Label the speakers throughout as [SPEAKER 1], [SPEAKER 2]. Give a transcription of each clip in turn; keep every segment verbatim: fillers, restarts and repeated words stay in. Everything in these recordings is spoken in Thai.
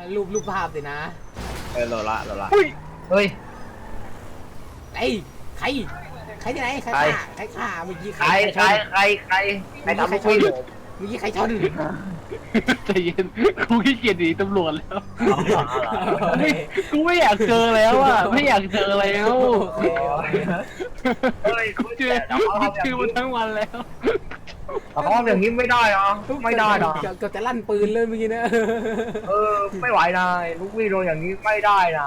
[SPEAKER 1] รูปรูปภาพสินะ
[SPEAKER 2] เออโลละโลละ
[SPEAKER 3] เฮ้ย
[SPEAKER 2] เฮ้ย
[SPEAKER 1] ไอ้ใครใครที่ไหนใครฆ่าใครฆ่าเมื่อกี้
[SPEAKER 2] ใครใครใครใครใครทำให้ชน
[SPEAKER 1] เมื่อกี้ใครชน
[SPEAKER 3] ใจเย็นกูขี้เกียจหนีตำรวจแล้วไม่กูไม่อยากเจอแล้วอ่ะไม่อยากเจอแล้ว
[SPEAKER 2] เฮ้ย
[SPEAKER 3] เจอเจอมาทั้งวันแล้ว
[SPEAKER 2] เขาทำอย่างนี้ไม่ได้หรอไม่ได้หรอ
[SPEAKER 1] เกือบจะลั่นปืนเลยเมื่อกี้นะ
[SPEAKER 2] เออไม่ไหวนะลูกพี่โดนอย่างนี้ไม่ได้นะ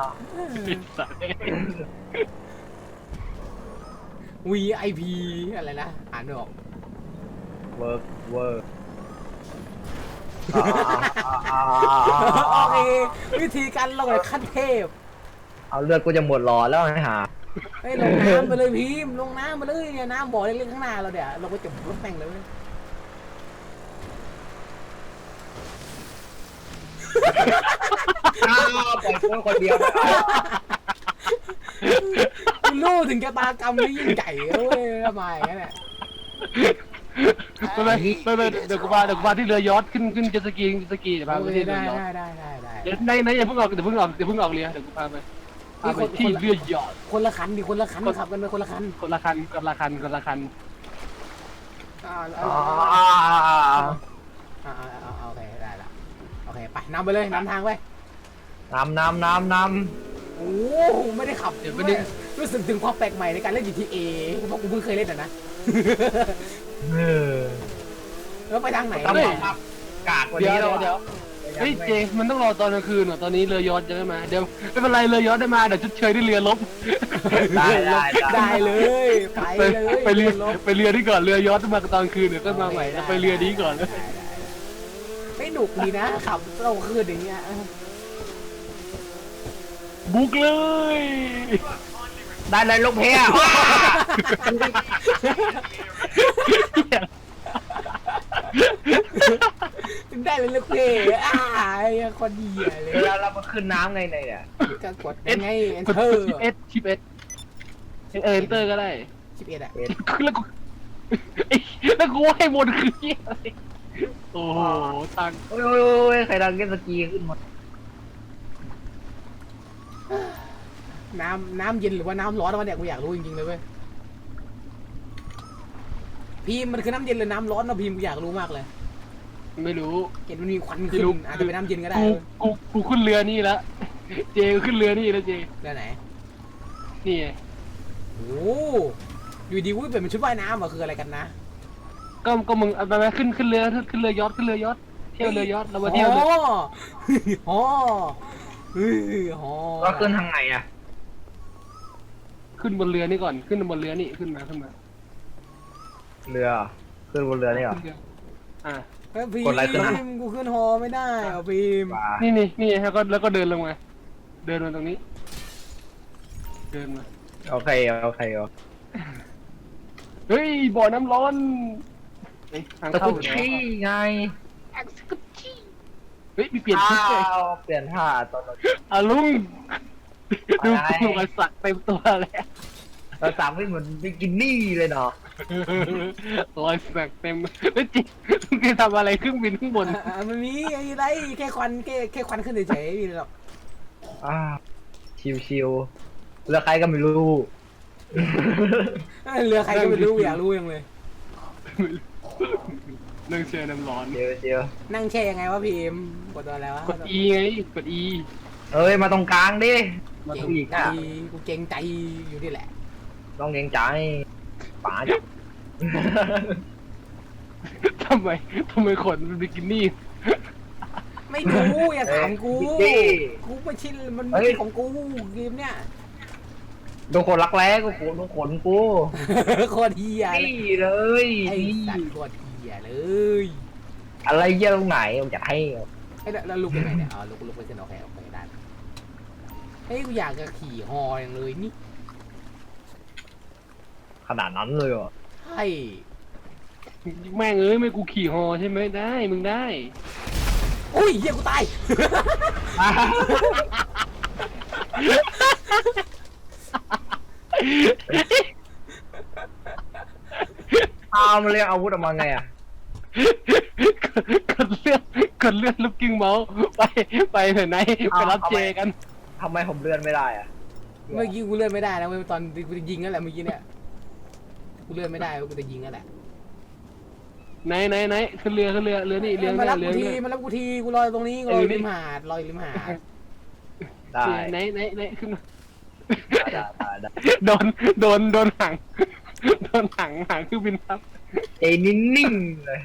[SPEAKER 1] วี ไอ พี อะไรนะอ่านไม่ออก
[SPEAKER 2] work work
[SPEAKER 1] โอเควิธีการลงเลยขั้นเทพ
[SPEAKER 2] เอาเลือดกูจะหมดหลอดแล้วไอ้ห่า
[SPEAKER 1] ไอ้ลงน้ำไปเลยพิมลงน้ำไปเลยเนี่ยน้ำบ่อเล็กๆข้างหน้าเราเดี๋ยวเราก็จะรถแม่งเลย
[SPEAKER 2] อ้าวปล่อยกูคนเดียว
[SPEAKER 1] คุณรู้ถึงชะตากรรมที่ยิ่งใหญ่เว้ยทำไมงั้นเนี่ย
[SPEAKER 3] ไม่ไม่ไม่เดี๋ยวกูมาเดี๋ยวกูมาที่เรือยอทขึ้นขึ้นเจ็ตสกีเจ็ตสกีเดี๋ยวพาไปที่เรือยอท
[SPEAKER 1] ได้ได้ได้ได้
[SPEAKER 3] เดี๋ยวในในอย่าเพิ่งออกเดี๋ยวเพิ่งออกเดี๋ยวเพิ่งออกเรือเดี๋ยวกูพาไปพาไปที่เรือยอท
[SPEAKER 1] คนละคันดิคนละคันขับกันไปคนละคัน
[SPEAKER 3] คนละคันคนละคันคนละคัน
[SPEAKER 1] อ่าอ่าโอเคได้ละโอเคไปนำไปเลยนำทางไป
[SPEAKER 2] นำนำนำน
[SPEAKER 1] ำโอ้ไม่ได้ขับเดี๋ยวไม่ได้รู้สึกถึงความแปลกใหม่ในการเล่น จี ที เอ เพราะกูเพิ่งเคยเล่นอ่ะนะแล้วไปทางไหนเนี่ย
[SPEAKER 2] กากกว่านี้แล้ว
[SPEAKER 3] เดี๋ยวเฮ้ยเจมันต้องรอตอนกลางคืนเหรอตอนนี้เรือยอทจะไม่มาเดี๋ยวไม่เป็นไรเรือยอทได้มาเดี๋ยวชดเชยด้วยเรือลบ
[SPEAKER 2] ได้ได้
[SPEAKER 1] ได้เลยไปเลย
[SPEAKER 3] ไปเรือไปเรือที่ก่อนเรือยอทมาตอนคืนเดี๋ยวก็มาใหม่ไปเรือนี้ก่อนเลย
[SPEAKER 1] ไม่หนุกดีนะขับเราคืนอย่างเงี้ย
[SPEAKER 3] บุกเลย
[SPEAKER 2] ได้เลยลูกเพี้ย
[SPEAKER 1] ได้เลยลูกเพี้ยอ้ายคนดีเลย
[SPEAKER 2] เวลาเรามาขึ้นน้ำไงเนี่ย
[SPEAKER 1] ก็กดยังไงเอนเตอร์
[SPEAKER 3] ชิปเอสชิปเอสเอเตอร์ก็ได้
[SPEAKER 1] ชิปเอสอะ
[SPEAKER 3] แล้วกูแล้วกูให้หมดคือเหี้ยอะไรโอ้โหตัง
[SPEAKER 2] โอ้ยโอ้ยใครดังเก็ตสกีขึ้นหมด
[SPEAKER 1] น้ำน้ำเย็นหรือว่าน้ำร้อนวะเนี่ยกูอยากรู้จริงๆเลยเว้ยพีมมันคือน้ำเย็นหรือน้ำร้อนนะพีมกูอยากรู้มากเลย
[SPEAKER 3] ไม่รู้
[SPEAKER 1] เห็นมันมีควันขึ้นอาจจะเป็นน้ำเย็นก็ได้
[SPEAKER 3] กูกูขึ้นเรือนี่แล้วเจขึ้นเรือนี่แล้วเจ
[SPEAKER 1] เรือไหน
[SPEAKER 3] นี่
[SPEAKER 1] โอ้อยู่ดีวุ้ยเป็นมันชุดว่ายน้ำอะคืออะไรกันนะ
[SPEAKER 3] ก็ก็มึงเอาไปขึ้นขึ้นเรือขึ้นเรือยอทขึ้นเรือยอทเที่ยวเรือยอทเรามาเที่ยว
[SPEAKER 1] อ๋ออ๋อเฮ้ยอ๋อ
[SPEAKER 2] ก็ขึ้นทางไหนอะ
[SPEAKER 3] ขึ้นบนเรือนี่ก่อนขึ้นบนเรือนี่ขึ้นมาขึ้นมา
[SPEAKER 2] เรือขึ้นบนเรือนี่เหรอ
[SPEAKER 3] อ่า
[SPEAKER 1] พีมกูขึ้นฮอไม่ได้อ่ะพีม
[SPEAKER 3] นี่นี่นี่แล้วก็แล้วก็เดินลงมาเดินมาตรงนี้เดินมา
[SPEAKER 2] โอเคโอเคโอ
[SPEAKER 3] เฮ้ยบ่อน้ำร้อน
[SPEAKER 2] ทางเข้าชี้ไง
[SPEAKER 3] เฮ้ยมีเปลี่ยนชุดเลย
[SPEAKER 2] เปลี่ยนท่าตอน
[SPEAKER 3] อ่ะลุงดูกูมาสักเต็มตัวแล้ว
[SPEAKER 2] เราสามไม่เหมือนบิกินี่เลยเนาะ
[SPEAKER 3] รอยสักเต็มแล้วจริงลุงแกทำอะไรเครื่องบินข้างบน
[SPEAKER 1] มันมีอะไรแค่ควันแค่แค่ควันขึ้นเฉยๆนี่หรอก
[SPEAKER 2] อ่าชิวๆเรือใครก็ไม่รู้
[SPEAKER 1] เรือใครก็ไม่รู้อยากรู้ยังเลย
[SPEAKER 3] นั่งแช่น้ำร้อน
[SPEAKER 2] เจียวเจียว
[SPEAKER 1] นั่งแช่ยังไงวะพีมกดตัวอะไรวะ
[SPEAKER 3] กด E ไงกด E
[SPEAKER 2] เอ้ยมาตรงกลางดิ
[SPEAKER 1] มาตรงอีกอ่ะกูเก่งใจอยู่นี่แหละ
[SPEAKER 2] ต้องเก่งใจป๋าจ้ะ
[SPEAKER 3] ทำไมทำไมขนเป็นบิกินี่
[SPEAKER 1] ไม่รู้อย่าถามกูกูไม่ชินมันไม่ใช่ของกูเกมเนี้ย
[SPEAKER 2] โดนคนรักแร้กูโขนโดนขนกู
[SPEAKER 1] โคตรเฮีย
[SPEAKER 2] เลย
[SPEAKER 1] ไอ้สัตว์โคตรเฮียเลย
[SPEAKER 2] อะไรเยอะตรงไหนผมจะให้
[SPEAKER 1] ไอ้แล้วลุกยังไงเนี่ยอ๋อลุกลุกไปขึ้นโอเคโอเคได้เฮ้ยกูอยากจะขี่ฮออย่างเลยนี่
[SPEAKER 2] ขนาดนั้นเลยอ่ะ
[SPEAKER 1] ใช่
[SPEAKER 3] แม่งเอ้ยไม่กูขี่ฮอใช่ไหมได้มึงได้
[SPEAKER 1] โอ้ยเฮียกูตาย
[SPEAKER 2] เอามาเรียกอาวุธออกมาไงอ่ะ
[SPEAKER 3] กดเลือกกดเลื่อนลูกกิ้งเมาส์ไปไปเถอะนายไปรับเจกัน
[SPEAKER 2] ทำไมผมเลื่อนไม่ได้อะ
[SPEAKER 1] เมื่อกี้กูเลื่อนไม่ได้นะเว้ยตอนกูจะยิงนั่นแหละเมื่อกี้เนี่ยกูเลื่อนไม่ได้กูจะยิงนั่นแหละ
[SPEAKER 3] ไหนไหนไหนขึ้นเรือขึ้นเรือเรือนี่เรือ
[SPEAKER 1] มา
[SPEAKER 3] เนี่ย
[SPEAKER 1] รับ
[SPEAKER 3] เรื
[SPEAKER 1] กู
[SPEAKER 3] อ
[SPEAKER 1] ที
[SPEAKER 3] เนี่ย
[SPEAKER 1] มารับกูทีกูลอยตรงนี้กูลอยริมหาดลอยริมหาด
[SPEAKER 2] ได้
[SPEAKER 3] ไหนไหนไหนขึ้นมา
[SPEAKER 2] ได้ได้ได้
[SPEAKER 3] โดนโดนโดนหางโดนหางหางเครื่องบินทับ
[SPEAKER 2] ใจนิ่งๆเลย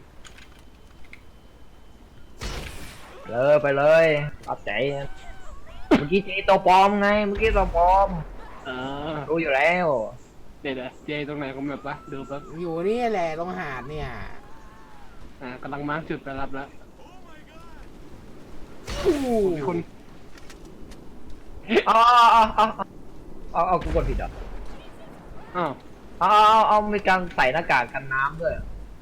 [SPEAKER 2] เลยไปเลยรับใจเมื่อกี้เจตัวปลอมไงเมื่อกี้ตัวปลอม
[SPEAKER 3] เออ
[SPEAKER 2] รู้อยู่แล้ว
[SPEAKER 3] เดี๋ยวเดี๋ยวเจตรงไหนของแบบวะดูแป๊บ
[SPEAKER 1] อยู่นี่แหละตรงหาดเนี่ย
[SPEAKER 3] อ่ากำลังมาร์คจุดไปรับแล้ว
[SPEAKER 1] อู้
[SPEAKER 3] มีคน
[SPEAKER 2] เอาเอาเอาเอาเอากูกดผิดเหรอ
[SPEAKER 3] อ้าว
[SPEAKER 2] เอาเอาเอามีการใส่หน้ากากกันน้ำด้วย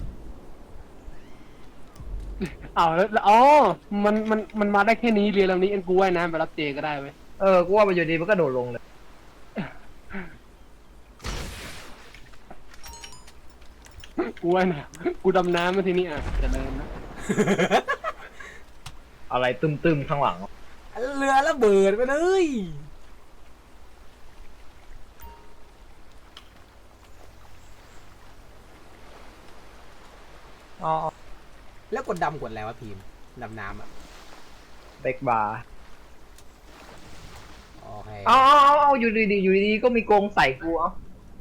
[SPEAKER 3] อ้าวแล้วอ๋อมันมันมันมาได้แค่นี้เรือลำนี้เอ็นกูว่ายน้ำไปรับเจก็ได้เว้ย
[SPEAKER 2] เออกูว่าไปอยู่ดีมันก็โดดลงเลย
[SPEAKER 3] กูว่ายน้ำกูดำน้ำมาทีนี้อ่ะเจะเดินนะ
[SPEAKER 2] อะไรตึมๆข้างหลัง
[SPEAKER 1] เรือระเบิดไปเลย
[SPEAKER 2] อ๋อ
[SPEAKER 1] แล้วกดดำกดอะไรวะพีมดำน้ำอ่ะ
[SPEAKER 2] เบรกบาร์
[SPEAKER 1] โอเค
[SPEAKER 2] เอาเอาเอาเอาอยู่ดีๆอยู่ดีๆก็มีกรงใส่กูเอา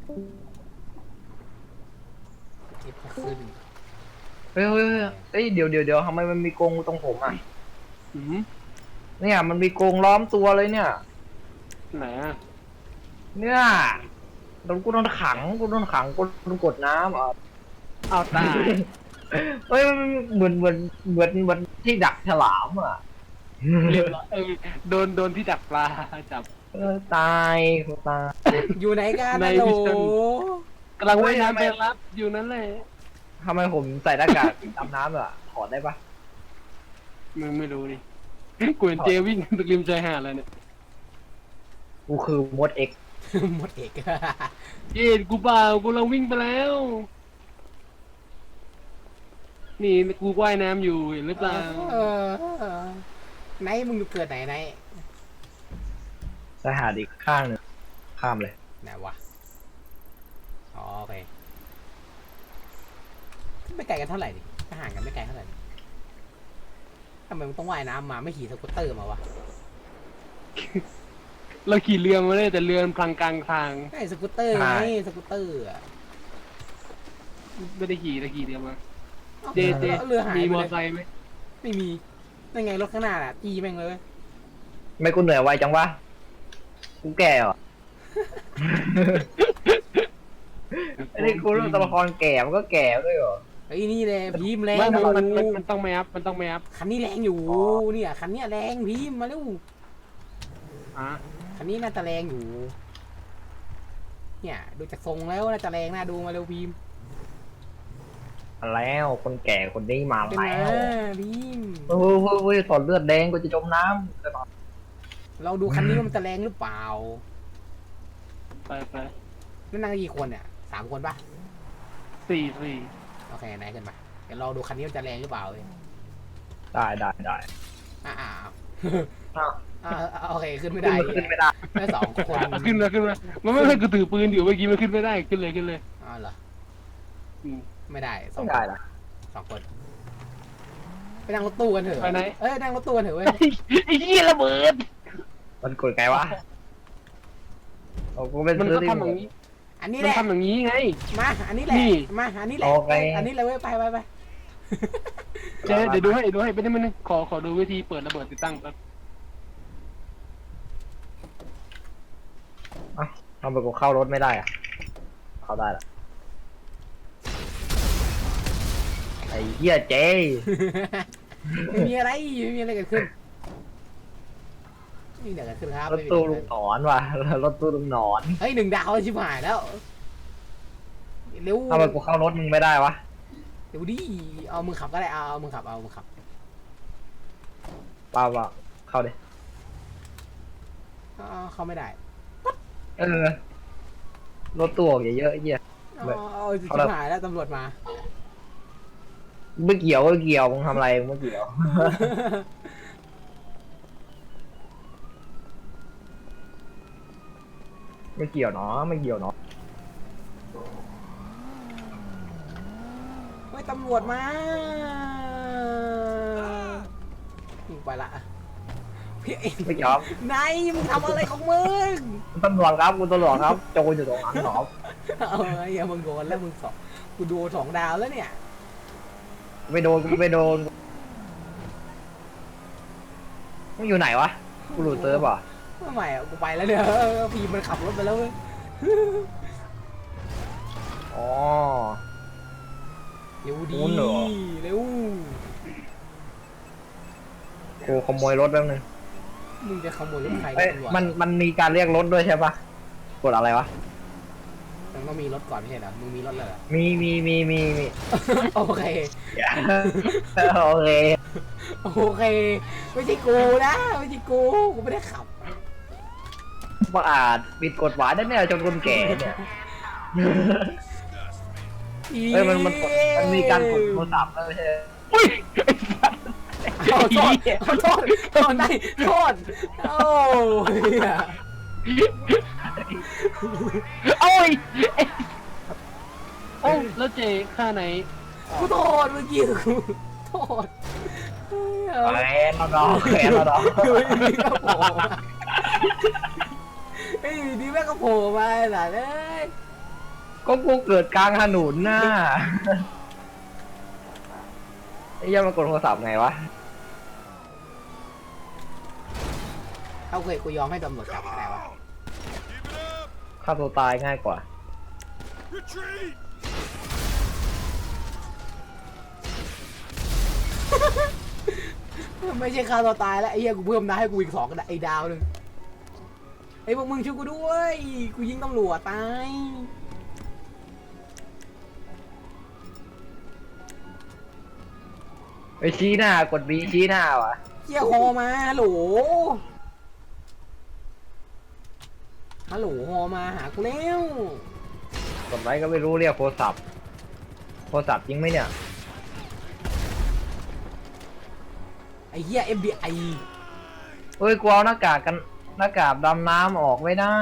[SPEAKER 1] เอฟขึ้น
[SPEAKER 2] เฮ้ยเฮ้ยเฮ้ยเฮ้ยเดี๋ยวเดี๋ยวเดี๋ยวทำไมมันมีกรงตรงผมอ่ะ
[SPEAKER 3] อืม
[SPEAKER 2] เนี่ยมันมีกรงล้อมตัวเลยเนี่ย
[SPEAKER 3] ไหนอ่ะ
[SPEAKER 2] เนี่ยโดนกูโดนขังกูโดนขังกูโดนกดน้ำอ่ะ
[SPEAKER 3] เอาตาย
[SPEAKER 2] เฮ้ยมันเหมือนเหมือนเหมือนเหมือนที่ดักฉลามอ่ะ
[SPEAKER 3] เรียบร้อยเออโดนโดนที่ดักปลาจับ
[SPEAKER 2] เออตายกูตาย
[SPEAKER 1] อยู่ไหนกัน
[SPEAKER 3] ใน
[SPEAKER 1] นะโหล
[SPEAKER 3] มิชชั่น กำลังว่ายน้ำ
[SPEAKER 2] เฮ้
[SPEAKER 3] ไป
[SPEAKER 2] ยทำไม
[SPEAKER 3] รับอยู่นั่นแหละ
[SPEAKER 2] ทำไมผมใส่หน้ากากดำน้ำอ่ะถอดได้ปะ
[SPEAKER 3] มึงไม่รู้ดิกูเห็นเจวิ่งตะริมชายหาดเลยเนี่ย
[SPEAKER 2] กูคือมดเอ็ก
[SPEAKER 1] หมดเอก
[SPEAKER 3] เย็นกูเปล่ากูกำลังวิ่งไปแล้ว นี่กูว่ายน้ำอยู่เห็นหรือเปล่า
[SPEAKER 1] เออไหนมึงอยู่เกิดไหนไหน
[SPEAKER 2] สหาดอีกข้างหนึ่งข้ามเลย
[SPEAKER 1] ไหนวะอ๋อโอเคไม่ไกลกันเท่าไหร่ดิถ้าห่างกันไม่ไกลเท่าไหร่ดิทำไมมึงต้องว่ายน้ำมาไม่ขี่สกูตเตอร์มาวะ
[SPEAKER 3] เราขี่เรือมาเลยแต่เรือมันพลังกลางทาง
[SPEAKER 1] ไอ้สกูตเตอร์ไงสกูตเตอร์อะ
[SPEAKER 3] ไม่ได้ขี่เราขี่เรือมา
[SPEAKER 1] อ้า
[SPEAKER 3] เจเจ
[SPEAKER 1] เรือหาย
[SPEAKER 3] มี
[SPEAKER 1] ไป
[SPEAKER 3] มอ
[SPEAKER 1] เลย
[SPEAKER 3] ไซค์ไหม
[SPEAKER 1] ไม่มีนั่นไงรถข้างหน้าน่ะตีแม่งเลย
[SPEAKER 2] ไม่กูเหนื่อยไวจังวะกูแก่เหรอ ไอ้นี่กูเรื่องตัวละครแก่มันก็แก่ด้วยเหรอ
[SPEAKER 1] ไอ้นี่แหละพีมแรง
[SPEAKER 3] ไม่
[SPEAKER 1] อ
[SPEAKER 3] มัน
[SPEAKER 1] ยู่
[SPEAKER 3] มันมันมันต้องไม่อัพมันต้องไม่อัพ
[SPEAKER 1] คันนี้แรงอยู่
[SPEAKER 2] อ๋อ
[SPEAKER 1] เนี่ยคันเนี้ยแรงพีมมาเร็ว
[SPEAKER 3] อ่ะ
[SPEAKER 1] คันนี้น่าจะแรงอยู่ เนี่ยดูจากทรงแล้วน่าจะแรงน่าดูมาเร็วพีม
[SPEAKER 2] มาแล้วคนแก่คนนี้มา
[SPEAKER 1] เป็น
[SPEAKER 2] แล้
[SPEAKER 1] ไง
[SPEAKER 2] ว
[SPEAKER 1] พีม
[SPEAKER 2] เฮ้ยเฮ้ยเฮ้ยถอดเลือดแดงกูจะจมน้ำจะตาย
[SPEAKER 1] เราดูคันนี้ว่ามันจะแรงหรือเปล่า
[SPEAKER 3] ไปไป
[SPEAKER 1] นั่นนั่งกี่คนเนี่ยสามคนปะ
[SPEAKER 3] สี่สี่
[SPEAKER 1] โอเคไหนขึ้นมาเดี๋ยวเราดูคันนี้มันจะแรงหรือเปล่าเลย
[SPEAKER 2] ได้ได้ได้
[SPEAKER 1] อ่าอ่า
[SPEAKER 2] อ้าว
[SPEAKER 1] อ่าอ่าโอเคขึ้นไม่
[SPEAKER 2] ขึ้น
[SPEAKER 1] ได้
[SPEAKER 2] มาขึ้นไม่ได้
[SPEAKER 1] ได้สองคน
[SPEAKER 3] ขึ้นมาขึ้นมามันไม่ให้กูถือปืนอยู่เมื่อกี้มันขึ้นไม่ได้ขึ้นเลยขึ้นเลย
[SPEAKER 1] อ๋อเหรอ
[SPEAKER 3] อืม
[SPEAKER 1] ไม่ได้สอ
[SPEAKER 2] ไม่
[SPEAKER 1] งค
[SPEAKER 2] ได้
[SPEAKER 1] น
[SPEAKER 2] ละ
[SPEAKER 1] สองคนไปนั่งรถตู้กันเถอะ
[SPEAKER 3] ไปไหน
[SPEAKER 1] เอ้ยนั่งรถตู้กันเถอะเว้ย
[SPEAKER 3] ไอ้เหี้ยระเบิด
[SPEAKER 2] มันกดไงวะโอ้กูเป็น
[SPEAKER 3] มัน
[SPEAKER 2] ซื้อ
[SPEAKER 3] ก็
[SPEAKER 2] ที่
[SPEAKER 3] ทำอย่างนี้
[SPEAKER 1] อันนี้
[SPEAKER 3] มั
[SPEAKER 1] แห
[SPEAKER 3] น
[SPEAKER 1] ละ
[SPEAKER 3] ทำอย่างนี้ไง
[SPEAKER 1] มาอันนี้แหละ
[SPEAKER 3] นี่
[SPEAKER 1] มาอันนี้แหละ
[SPEAKER 2] โอเค
[SPEAKER 1] อันนี้เลยเว้ยไปไปไป
[SPEAKER 3] เจ๊เดี๋ยวดูให้ดูให้ไม่ได้ไม่ได้ขอขอดูวิธีเปิดระเบิดติดตั้งแป๊บ
[SPEAKER 2] อ่ะทำไมกูเข้ารถไม่ได้อะเข้าได้ละไอ้เหี้ยเจ๊
[SPEAKER 1] ไม่มีอะไรไม่มีอะไรเกิดขึ้นไม่มีอะไรเกิดขึ้นครับ
[SPEAKER 2] รถตู้ลุงหนอนว่ะรถตู้ลุงหนอน
[SPEAKER 1] เฮ้ยหนึ่งดาวชิบหายแล้วเร็ว
[SPEAKER 2] ทำไมกูเข้ารถมึงไม่ได้วะ
[SPEAKER 1] เร็วดิเอามือขับก็ได้เอาเอามือขับเอามือขับ
[SPEAKER 2] เปล่าเปล่าเข้าดิ
[SPEAKER 1] เอาเอาเข้าไม่ได้
[SPEAKER 2] เออรถตู้ออกเยอะๆไอ้เหี้ย
[SPEAKER 1] เอา
[SPEAKER 2] แบบ
[SPEAKER 1] เอาชิ
[SPEAKER 2] เอา
[SPEAKER 1] บ
[SPEAKER 2] ละ
[SPEAKER 1] หายแล้วตำรวจมา
[SPEAKER 2] ไม่เกี่ยวไม่เกี่ยวมึงทำอะไรมึงไม่เกี่ยว ไม่เกี่ยวเนาะไม่เกี่ยวเนาะ
[SPEAKER 1] ไม่ตำรวจมายิงไปละพี่เอ็
[SPEAKER 2] ไม่เกี่ยว
[SPEAKER 1] นายมึงทำอะไรของมึง
[SPEAKER 2] คุณตำรวจครับคุณตำรวจครับโจรอยู่ตรงนั้นหรอ
[SPEAKER 1] เอาไอ้เหี้ยมึงโดนแล้วมึงสองกูดูสองดาวแล้วเนี่ย
[SPEAKER 2] ไม่โดนกูไม่โดนมึงอยู่ไหนวะกูหลุดเซิร์ฟเหรอ
[SPEAKER 1] ไม่ใหม่อะกูไปแล้วเนี่ยพีมันขับรถไปแล้วเว้ย
[SPEAKER 2] อ๋อ
[SPEAKER 1] เร็วดี
[SPEAKER 2] โอ้เหรอ
[SPEAKER 1] เร็ว
[SPEAKER 2] กูขโมยรถแป๊บนึง
[SPEAKER 1] มึงจะขโมยรถใคร
[SPEAKER 2] เอ้ย
[SPEAKER 1] ตำรวจ
[SPEAKER 2] มันมันมีการเรียกรถด้วยใช่ปะกดอะไรวะ
[SPEAKER 1] มันต้องมีรถก่อนไม่ใช่เหรอมึงมีรถเลยเหรอ
[SPEAKER 2] มีมีมีมีมี
[SPEAKER 1] โอเค
[SPEAKER 2] โอเค
[SPEAKER 1] โอเคไม่ใช่กูนะไม่ใช่กูกูไม่ได้ขับ
[SPEAKER 2] บังอาจปิดกฎหมายได้เนี่ยจนคนแก่เนี่ยเฮ้ยมันมันกดมันมีการกดโทรศัพท์แล้วไม่ใช่
[SPEAKER 3] อุ้ย
[SPEAKER 1] เอาโทษเอาโทษโทษได้โทษโอ้ย
[SPEAKER 3] โอ้ยโอ้แล้วเจค่าไหน
[SPEAKER 1] กูโทษเมื่อกี้กูโทษ
[SPEAKER 2] แขนเราดอกแขนเราดอก
[SPEAKER 1] เฮ้ยนี่ก็โผล่มาเฮ้ยนี่แม่งก็โผล่มาหล่ะเลย
[SPEAKER 2] ก็กูเกิดกลางถนนน่ะไอ้เหี้ยังมากดโทรศัพท์ไงวะ
[SPEAKER 1] เอาเคยกูยอมให้ตำรวจจับก็ได้วะ
[SPEAKER 2] ฆ่าตัวตายง่ายกว่า
[SPEAKER 1] ไม่ใช่ฆ่าตัวตายแล้วไอ้เหี้ยกูเพิ่มดาวให้กูอีกสองไอ้ดาวหนึ่งไอ้พวกมึงช่วยกูด้วยกูยิงตำรวจตาย
[SPEAKER 2] ไปชี้หน้ากดบีชี้หน้าวะ
[SPEAKER 1] เหี้ยคอมาฮัลโหลฮัลโหลฮอมาหากูแล้ว
[SPEAKER 2] กดไว้ก็ไม่รู้เรียกโทรศัพท์โทรศัพท์จริงไหมเนี่ย
[SPEAKER 1] ไอ้เหี้ย เอฟ บี ไอ
[SPEAKER 2] เฮ้ยกูเอาหน้ากากกันหน้ากากดำน้ำออกไม่ได้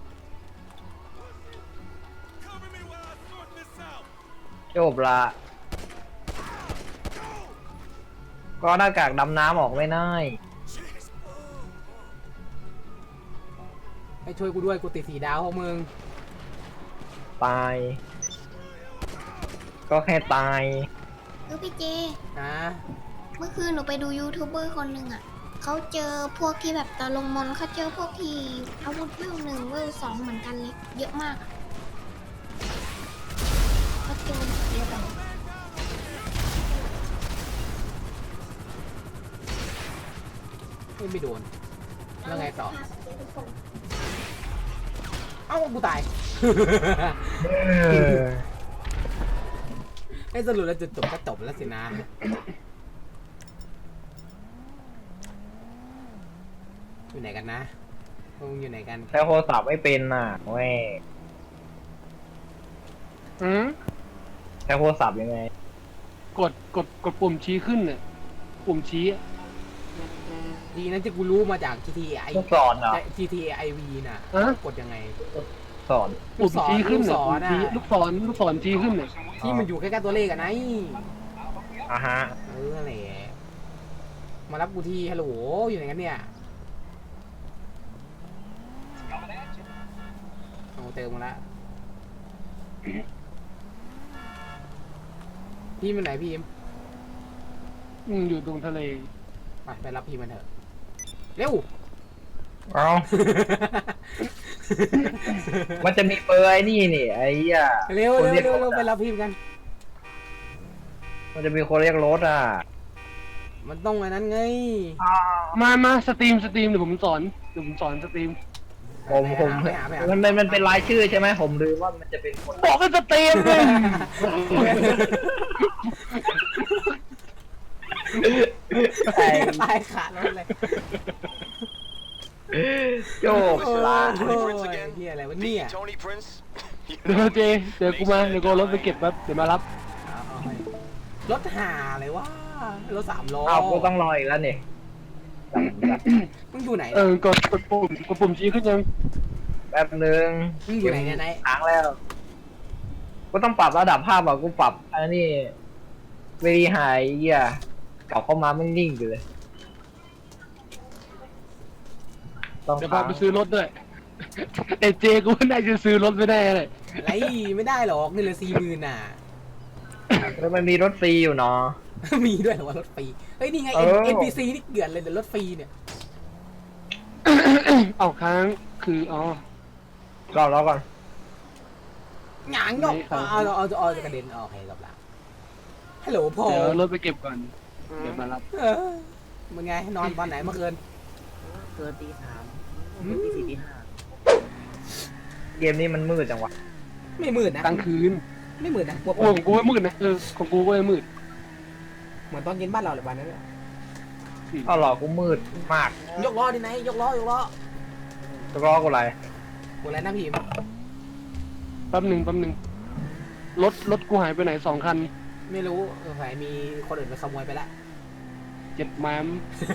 [SPEAKER 2] จบละก็เอาหน้ากากดำน้ำออกไม่ได้
[SPEAKER 1] ไอ้ช่วยกูด้วยกูติดสีดาวพวกมึง
[SPEAKER 2] ตาย ก็แค่ตาย
[SPEAKER 4] เออพี่เจ
[SPEAKER 1] นะ
[SPEAKER 4] เมื่อคืนหนูไปดูยูทูบเบอร์คนหนึ่งอ่ะ เขาเจอพวกที่แบบตะลงมนต์เขาเจอพวกที่อาวุธเวลหนึ่งเวลสองเหมือนกันเลย เยอะมากอะเขาเจอเยอะแบบ
[SPEAKER 1] ไม่ไม่โดนแล้วไงต่อเอ้ากูตาย ไอ้สรุปแล้วจุดจบก็จบแล้วสินะอยู่ไหนกันนะพวกมึงอยู่ไหนกัน
[SPEAKER 2] ใช้โทรศัพท์ไม่เป็นน่ะเว้ย
[SPEAKER 3] อืม
[SPEAKER 2] ใช้โทรศัพท์ยังไง
[SPEAKER 3] กดกดกดปุ่มชี้ขึ้นน่ะปุ่มชี้อะ
[SPEAKER 1] ดีนั้นที่กูรู้มาจาก จี ที เอ ไอ
[SPEAKER 2] ต้องสอนเหรอ
[SPEAKER 1] จี ที เอ ไอ วี น่ะกดยังไง
[SPEAKER 2] สอน
[SPEAKER 3] ปุ่มชี้ขึ้น
[SPEAKER 1] ลูกศ
[SPEAKER 3] น่ะ
[SPEAKER 1] ร
[SPEAKER 3] ปุ่ม
[SPEAKER 1] น่ะ
[SPEAKER 3] ชี้ลูกศรลูกศรชี้ขึ้นน่ะ
[SPEAKER 1] ที่มันอยู่ใกล้ๆตัวเลขอะไง
[SPEAKER 2] อ่ะฮะ
[SPEAKER 1] เออนั่นแหละมารับกูทีฮัลโหลอยู่ไหนกันเนี่ยเอาเติมมาละพี่มันไหนพี่อิม
[SPEAKER 3] อืมอยู่ตรงทะเล
[SPEAKER 1] ไปไปรับพี่มันเถอะเร็ว
[SPEAKER 2] เอา มันจะมีเบอร์ไอ้นี่นี่ไอ้เหี้ย
[SPEAKER 1] เร็ว
[SPEAKER 2] คน
[SPEAKER 1] เร็ว
[SPEAKER 2] เรียก
[SPEAKER 1] เร็ว
[SPEAKER 2] ร
[SPEAKER 1] เร็ว
[SPEAKER 2] ถ
[SPEAKER 1] ไป
[SPEAKER 2] อะ
[SPEAKER 1] รับพี่กัน
[SPEAKER 2] มันจะมีคนเรียกรถอ่ะ
[SPEAKER 1] มันต้องอันนั้นไง
[SPEAKER 3] มามาสตรีมสตรีมเดี๋ยวผมสอนเดี๋ยวผมสอนสตรีม
[SPEAKER 2] ผมผม
[SPEAKER 1] ไปหาไปหา
[SPEAKER 2] มันเป็นมันเป็นรายชื่อใช่ไหมผมลืมว่ามันจะเป็นคน
[SPEAKER 3] บอกให้สตรีมเลย
[SPEAKER 2] ไอ้
[SPEAKER 1] ตายขาดแล้วเลย
[SPEAKER 2] โจบ
[SPEAKER 1] โอ้
[SPEAKER 2] ลา
[SPEAKER 1] โหเฮียอะไรวะเนี่ย
[SPEAKER 5] Tony Prince.
[SPEAKER 3] เดี๋ยวเจเดี๋ยวกูมาเดี๋ยวกูเอารถไปเก็บแป๊บเดี๋ยวมารับ
[SPEAKER 1] เอาเอาให้
[SPEAKER 3] เจ
[SPEAKER 1] รถหาอะไรวะรถสามล้อ
[SPEAKER 2] อ้าวกูต้องรออีกแล้วนี่
[SPEAKER 1] มึงอยู่ไหน
[SPEAKER 3] เออกดกดปุ่มกดปุ่มชี้ขึ้นยัง
[SPEAKER 2] แป๊บนึง
[SPEAKER 1] มึงอยู่ไหนเนี่ยไหน
[SPEAKER 2] ค้างแล้วกูต้องปรับระดับภาพอ่ะกูปรับอันนี้เวรีไฮเหี้ยกลับเข้ามามันนิ่งอยู่เลยต้อง
[SPEAKER 3] เดี๋ยว
[SPEAKER 2] ค้า
[SPEAKER 3] พาง ไปซื้อรถด้วยแต่เจกูน่าจะซื้อรถไม่ได้เลย
[SPEAKER 1] ไรไม่ได้หรอกนี่เลยสี่หมื่นน่ะ
[SPEAKER 2] แล้วมันมีรถฟรีอยู่เนาะ
[SPEAKER 1] มีด้วยเหรอว่ารถฟรีเฮ้ยนี่ไง
[SPEAKER 2] เออ
[SPEAKER 1] เอ็นพีซีนี่เกลื่อนเลยเดี๋ยวรถฟรีเนี่ย
[SPEAKER 3] เอาค้างคืออ๋อ
[SPEAKER 2] รอรอก่อน
[SPEAKER 1] หงางยก
[SPEAKER 3] ไม่ครับ
[SPEAKER 1] เอาเอาเอาเอาจะกระเด็นออกให้กับละฮัลโหลพอ
[SPEAKER 3] เดี๋ยวเอารถไปเก็บก่อนเดี๋ยวมารับ
[SPEAKER 1] เออมึงไงนอนตอนไหนเมื่อคืน
[SPEAKER 5] เกินตีสาม
[SPEAKER 1] อืม
[SPEAKER 5] ตีสี่ตีห้า
[SPEAKER 2] เกมนี้มันมืดจังวะ
[SPEAKER 1] ไม่มืดนะ
[SPEAKER 3] กลางคืน
[SPEAKER 1] ไม่มืดนะพวก
[SPEAKER 3] โอ้ของกูไม่มืดนะเออของกูก็ไม่มืด
[SPEAKER 1] เหมือนตอนเย็นบ้านเราเลยวันนั้นเลย
[SPEAKER 2] เอาหรอกูมืดมาก
[SPEAKER 1] ยกล้อดิไหนยกล้อยกล้อ
[SPEAKER 2] จะรอกูอะไร
[SPEAKER 1] กูอะไรนะพี่ม
[SPEAKER 3] แป๊บหนึ่งแป๊บหนึ่งรถรถกูหายไปไหนสองคัน
[SPEAKER 1] ไม่รู้สงสัยมีคนอื่นไปขโมยไปแล้ว
[SPEAKER 3] เจ็ดแมม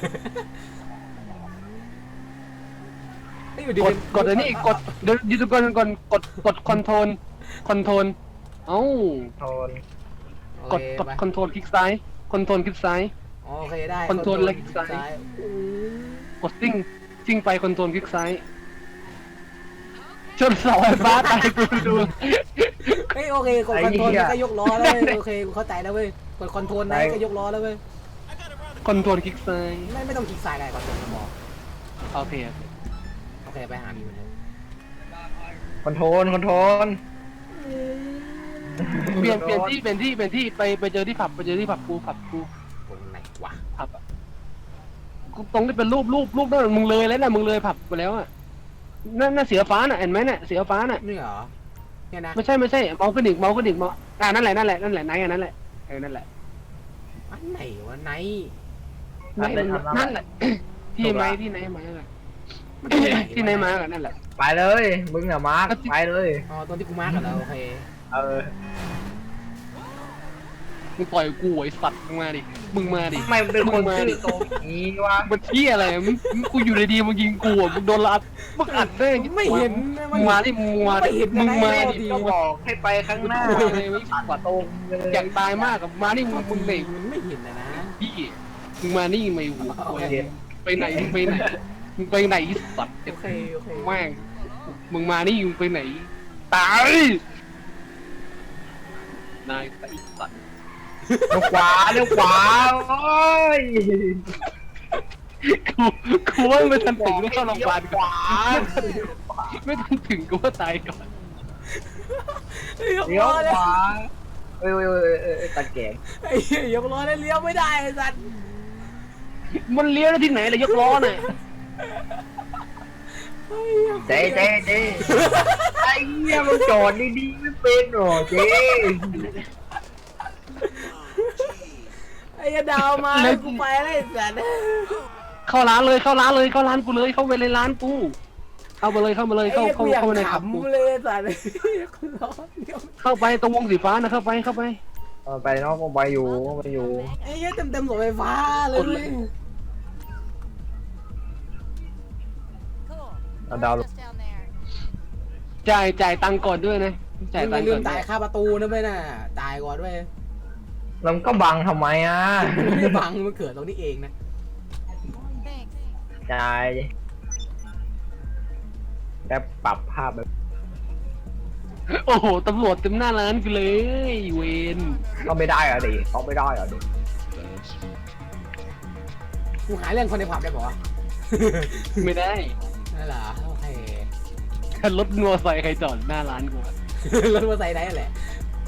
[SPEAKER 1] ไม่อยู่ดี
[SPEAKER 3] กดกดอันนี้กดเดี๋ยวยูทูบก่อนก่อนกดกดคอนโทรลคอนโทรลเอ้า
[SPEAKER 2] โทน
[SPEAKER 1] โอก
[SPEAKER 3] ด
[SPEAKER 1] เค
[SPEAKER 3] กด
[SPEAKER 1] ไป
[SPEAKER 3] คอนโทรลคลิกซ้ายคอนโทรลคลิกซ้าย
[SPEAKER 1] โอเคได้
[SPEAKER 3] คอนโทรลและคลิกซ้าย
[SPEAKER 1] อืม
[SPEAKER 3] กดซิ่งซิ่งไปคอนโทรลคลิกซ้ายชนเสาไฟฟ้าตายกูดู
[SPEAKER 1] เฮ้ยโอเคกดคอนโทรลก็ยกล้อแล้วเว้ยโอเคกูเข้าใจแล้วเว้ยกดคอนโทรลไหนก็ยกล้อแล้วเว้ย
[SPEAKER 3] คอนโทรลคลิกซ้าย
[SPEAKER 1] ไม่ไม่ต้องคลิกซ้ายได้คอนโทรลก็พอ
[SPEAKER 3] โอเคโอเค
[SPEAKER 1] โอเคไปหาพี่มันเลย
[SPEAKER 2] คอนโทรลคอนโทรล
[SPEAKER 3] เปลี่ยนเปลี่ยนที่เปลี่ยนที่เปลี่ยนที่ไปไปเจอที่ผับไปเจอที่ผับกูผับกู
[SPEAKER 1] ตรงไหนวะ
[SPEAKER 3] ผับอะกูตรงที่เป็นรูปรูปรูปนั่นมึงเลยแล้วนะมึงเลยผับไปแล้วอะนั่นน่ะเสือฟ้าน่ะเห็นไหมน่ะเสือฟ้าน่ะ
[SPEAKER 1] นี่เหรอเนี่ยนะ
[SPEAKER 3] ไม่ใช่ไม่ใช่เมาส์กระดิกเมาส์กระดิกเมาส์อ่านั่นแหละนั่นแหละนั่นแหละไหนอันนั่นแหละเออนั่นแหละ
[SPEAKER 1] อันไหนวะไหน
[SPEAKER 3] นั่นแหละนั่นแหละที่ไหมที่ไหนมาอะ
[SPEAKER 1] มันตรงวะ
[SPEAKER 3] ที่ไหนมากันนั่นแหละ
[SPEAKER 2] ไปเลยมึงอะมาร์คไปเลย
[SPEAKER 1] อ๋อตอนที่กูมาร์กกันแล้วโอเค
[SPEAKER 2] เออ
[SPEAKER 3] มึงปล่อยกูไอ้สัตว์มึงมาดิมึงมาดิ
[SPEAKER 2] ทำไมมันเป็นคนชื่อโตนี้วะ
[SPEAKER 3] มันเที่ยอะไรมึงมึงกูอยู่ดีๆมึงยิงกูอ่ะมึงโดนลัดมึงอัดได้
[SPEAKER 1] ไม่เห็น
[SPEAKER 3] มึงมาดิมึงมาดิมึงมาดิ
[SPEAKER 2] ก็บอกให้ไปข้างหน้า
[SPEAKER 3] กูเลยไม่ปัด
[SPEAKER 2] กว่าตรงเลย
[SPEAKER 3] อยากตายมากกับมาดิมึงมึงไหน
[SPEAKER 1] มันไม่เห็นนะนะ
[SPEAKER 3] พี่มึงมานี่ไม่หู
[SPEAKER 1] โอเค
[SPEAKER 3] ไปไหนมึงไปไหนมึงไปไหนสัตว์
[SPEAKER 1] โอเคโอเค
[SPEAKER 3] แม่งมึงมานี่มึงไปไหนตายนายไอ้สัตว์
[SPEAKER 2] เลี้ยวขวาเลี้ยวขวาโอ้ย
[SPEAKER 3] กูกูว่าไม่ทันถึงก็เข้าโรงพยาบาล
[SPEAKER 2] ข
[SPEAKER 3] ก่อน
[SPEAKER 2] วา
[SPEAKER 3] ไม่ทันถึงกูว่าตายก่อน
[SPEAKER 1] ยก
[SPEAKER 2] เลี้ย
[SPEAKER 1] ล้
[SPEAKER 2] ว
[SPEAKER 1] อเลย
[SPEAKER 2] ขวาเอ้ยเอ้ยเอ้ยเอ้ยเอ้ยตะแกรง
[SPEAKER 1] ไอ้เหี้ยยกล้อเลยเลี้ยวไม่ได้ไอ้สัตว์
[SPEAKER 3] มันเลี้ยวได้ที่ไหนเลยยกล้อน่ะ
[SPEAKER 2] เจ๊เจ๊เจ๊ไอ้เหี้ยมันจอดดีๆไม่เป็นหรอเจ๊
[SPEAKER 1] ไอ้ดาวมาแล้วกูไปแล้วไอ้สัตว์
[SPEAKER 3] เข้าร้านเลยเข้าร้านเลยเข้าร้านกูเลยเข้าไปในร้านกูเข้ามาเลยเข้ามาเลย
[SPEAKER 1] ไอ้
[SPEAKER 3] เข้า
[SPEAKER 1] เหี้ย
[SPEAKER 3] เข้า
[SPEAKER 1] กูอยาก
[SPEAKER 3] เข้ามาในขับกู
[SPEAKER 1] ขำเลยไอ้สัตว์กูล้อเลี้ยว
[SPEAKER 3] เข้าไปตรงวงสีฟ้านะเข้าไปเข้าไป
[SPEAKER 2] เออไปเนาะก็ไปอยู่ไปอยู่
[SPEAKER 1] ไอ้เหี้ยเต็มเต็มๆรถไฟฟ้าเลย
[SPEAKER 3] กดเลย
[SPEAKER 2] เอาดาวลง
[SPEAKER 3] จ่ายจ่ายตังค์ก่อนด้วยนะจ่าย
[SPEAKER 1] มึง
[SPEAKER 3] ตั
[SPEAKER 1] อง
[SPEAKER 3] ค์
[SPEAKER 1] ย่าลื
[SPEAKER 3] ก่อ
[SPEAKER 1] ม
[SPEAKER 3] น
[SPEAKER 1] จ่ายค่าประตูนะเว้ยน่ะจ่ายก่อนเว้ย
[SPEAKER 2] แล้วมันก็บังทำไมอ่ะ
[SPEAKER 1] ไม่บังมันเกิดตรงนี้เองนะ
[SPEAKER 2] จ่ายแล้วปรับภาพแบบ
[SPEAKER 3] โอ้โหตำรวจเต็มหน้าร้านกูเลยเวน
[SPEAKER 2] ก็ไม่ได้อะดิเขาไม่ได้อะดิ
[SPEAKER 1] กูหาเรื่องคนในผับได้ป่าวะ
[SPEAKER 3] ไม่ได้
[SPEAKER 1] นั่นเหรอโอเค
[SPEAKER 3] รถมอเตอร์ไซค์ใครจอดหน้าร้านกูอะ
[SPEAKER 1] รถมอเตอร์ไซค์ได้แหละ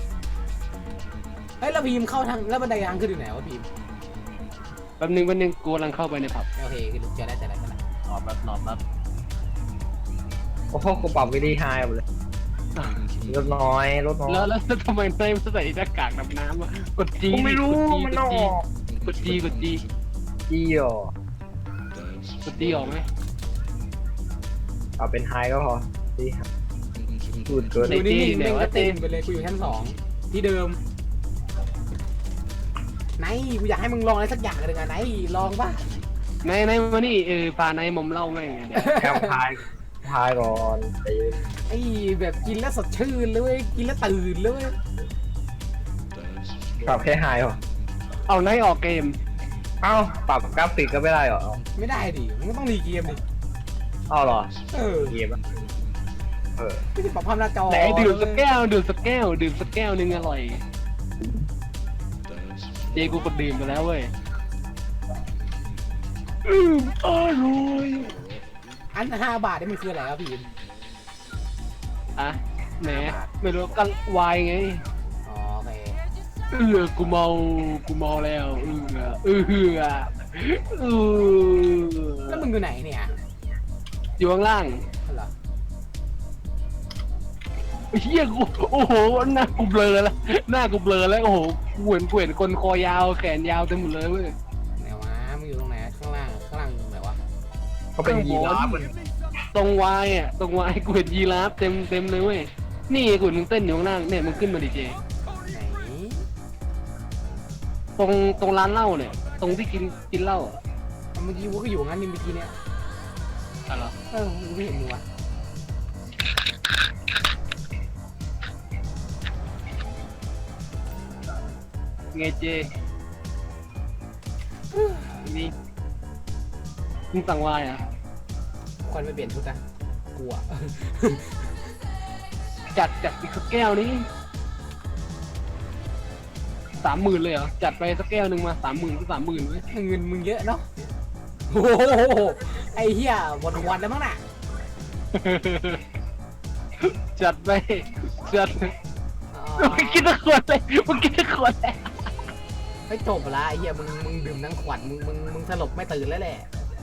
[SPEAKER 1] เฮ้ยแล้วพีมเข้าทางแล้วบันไดทางขึ้นอยู่ไหนวะพีม
[SPEAKER 3] แป๊บนึงแป๊บนึงกูกำลังเข้าไปในผับ
[SPEAKER 1] โอเคคือเจอได้แต่ละแต่ละ
[SPEAKER 3] รอแป๊บรอแป๊บ
[SPEAKER 2] โอ้โหกูปรับวิธีไฮหมดเลยลดน้อยลดน้อย
[SPEAKER 3] แล้วแล้วทำไมนายไม่ใส่หน้ากากดำน้ำอ่ะกดจี
[SPEAKER 2] กูไม่รู้มันต้องออก
[SPEAKER 3] กดจีกดจี
[SPEAKER 2] จี้หรอก
[SPEAKER 3] ดจีออกไหม
[SPEAKER 2] เอาเป็นไฮก็พอดีพูดเกิน
[SPEAKER 1] ดูนี่นี่เม่งก็เต็มไปเลยกูอยู่ชั้นสองที่เดิมไหนกูอยากให้มึงลองอะไรสักอย่างหนึ่งอะไหนลองป่ะ
[SPEAKER 3] ในในมานี่เออพาในมอมเล่าแม่งเดี๋ยว
[SPEAKER 2] แค่พายพายก่อนไอ้
[SPEAKER 1] ไอ้แบบกินแล้วสดชื่นเลยเว้ยกินแล้วตื่นเลยเว้ย
[SPEAKER 2] ปรับแค่ไฮเหรอ
[SPEAKER 3] เอาในออกเกม
[SPEAKER 2] เอ้าปรับกราฟิกก็ไม่ได้เหรอ
[SPEAKER 1] ไม่ได้ดิมึงก็ต้องรีเกมดิ
[SPEAKER 2] เอ้าเหรอ
[SPEAKER 1] เออ
[SPEAKER 2] เกมอะเออ
[SPEAKER 1] ไม่ได้ปรับภาพหน้าจอ
[SPEAKER 3] ไหนดื่มสักแก้วดื่มสักแก้วดื่มสักแก้วนึงอร่อยเจกูกดดื่มไปแล้วเว้ยอืมอร่อย
[SPEAKER 1] อันห้าบาทนี่มันคืออะไรครับพี่
[SPEAKER 3] อะแหมไม่รู้กันวายไง
[SPEAKER 1] อ๋อโอเค
[SPEAKER 3] เออกูเมากูเมาแล้วเออเออเออเออ
[SPEAKER 1] แล้วมึงอยู่ไหนเนี่ย
[SPEAKER 3] อยู่ข้างล่าง
[SPEAKER 1] เหรอ
[SPEAKER 3] เฮียกูโอ้โหหน้ากูเบลอแล้วหน้ากูเบลอแล้วโอ้โหกูเห็นกูเห็นคนคอยาวแขนยาวเต็มหมดเลยเว้ย
[SPEAKER 1] ไหนวะมึงอยู่ตรงไหนข้างล่างข้างล่างไหนวะ
[SPEAKER 2] เขาเป็นยีราฟมัน
[SPEAKER 3] ตรงวายอ่ะตรงวายกูเห็นยีราฟเต็มเต็มเลยเว้ยนี่กูมึงเต้นอยู่ข้างล่างเนี่ยมึงขึ้นมาดิเจ
[SPEAKER 1] ไหน
[SPEAKER 3] ตรงตรงร้านเหล้าเนี่ย ตรงที่กินกินเหล้าอ่ะ
[SPEAKER 1] เมื่อกี้กูก็อยู่งั้นนี่เมื่อกี้เนี่ย
[SPEAKER 3] อะไรอ
[SPEAKER 1] เออมึงไม่เห็นมึงวะ
[SPEAKER 3] ไงเจนี่มึงสั่งวายอ่ะ
[SPEAKER 1] ควันไม่เปลี่ยนชุดนะกลัว
[SPEAKER 3] จัดจัดอีกสักแก้วนี้สามหมื่นเลยเหรอจัดไปสักแก้วหนึ่งมาสามหมื่นก็สามหมื่นเว้ย
[SPEAKER 1] เงินมึงเยอะเนาะโอ้โหไอ้เหี้ยหมดวันแล้วมั้งน่ะ
[SPEAKER 3] จัดไปจัด
[SPEAKER 1] อ๋อ
[SPEAKER 3] มึงกินตะขวดเลยมึงกินตะขวดเลย
[SPEAKER 1] ไม่จบละไอ้เหี้ยมึงมึงดื่มทั้งขวดมึงมึงมึงสลบไม่ตื่นแล้วแหละ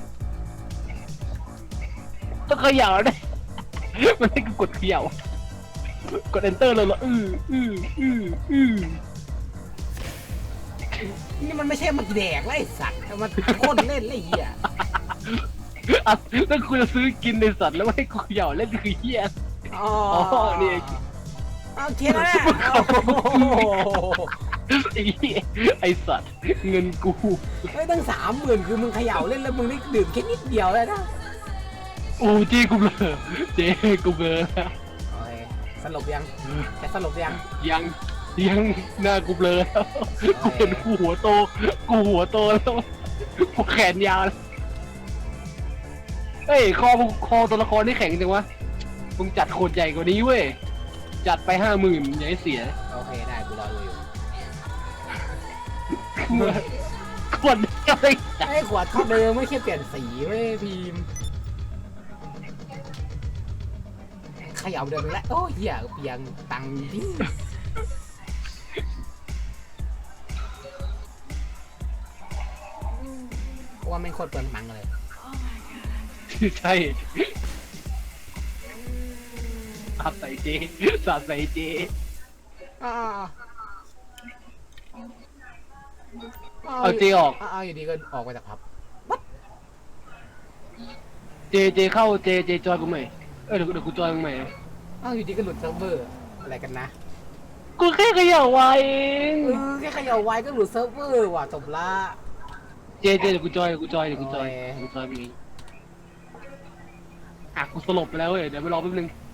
[SPEAKER 3] ต้องเขย่าด้วยมันให้กูกดเขย่ากด enter เลยเหรออืออืออืออือ
[SPEAKER 1] นี่มันไม่ใช่มาแดกแล้วไอ้สัตว์มันพ่นเล่นเลยไอ้เหี้ย
[SPEAKER 3] อ่ะแล้วกูจะซื้อกินในสัตว์แล้วให้กูเขย่าเล่นคือเฮีย
[SPEAKER 1] อ๋อ
[SPEAKER 3] อ๋อนี่เอง
[SPEAKER 1] เอาเคลียร์แล้วนะโอ้โห
[SPEAKER 3] ไอ้เหี้ยไอสัตว์เงินกู
[SPEAKER 1] เฮ้ยตั้งสามหมื่นคือมึงเขย่าเล่นแล้วมึงได้ดื่มแค่นิดเดียวเลยนะ
[SPEAKER 3] โอ้เจกูเบลอเจกูเบลอแล้ว
[SPEAKER 1] โอเคสลบยังแค่สลบยัง
[SPEAKER 3] ยังยังหน้ากูเบลอแล้วกูเห็นกูหัวโตกูหัวโตแล้วกูแขนยาวแล้วเฮ้ยคอมึงคอตัวละครนี่แข็งจังวะมึงจัดโคตรใหญ่กว่านี้เว้ยจัดไปห้าหมื่นอย่าให้เสีย
[SPEAKER 1] โอเคได้กูรอดูอยู่
[SPEAKER 3] ขวดอะไร
[SPEAKER 1] ไอ้ขวดเท่าเดิมไม่แค่เปลี่ยนสีเว้ยพิมพ์เขย่าเดิมอีกแล้วโอ้ยเหี้ยเปียงตังค์ดิว่าไม่งโคตรเปลืองตังค์เลย
[SPEAKER 3] ใช่สาดใส่เจสาดใส่เจ
[SPEAKER 1] อ่า
[SPEAKER 3] เอาเจออก
[SPEAKER 1] อ่าอยู่ดีก็ออกไปจากผับ
[SPEAKER 3] เจเจเข้าเจเจจอยกูใหม่เออเดี๋ยวเดี๋ยวกูจอยมึงใหม่
[SPEAKER 1] อ้าวอยู่ดีก็หลุดเซิร์ฟเวอร์อะไรกันนะ
[SPEAKER 3] กูแค่เขย่าไว้เอง
[SPEAKER 1] เออแค่เขย่าไว้ก็หลุดเซิร์ฟเวอร์ว่ะจบละ
[SPEAKER 3] เจเจเดี๋ยวกูจอยเดี๋ยวกูจอยเดี๋ยวกูจอย
[SPEAKER 1] โอ้ย
[SPEAKER 3] เดี๋ยวกูจอยมึงเองอ่ะกูสลบไปแล้วเว้ยเดี๋ยวไปรอแป๊บนึง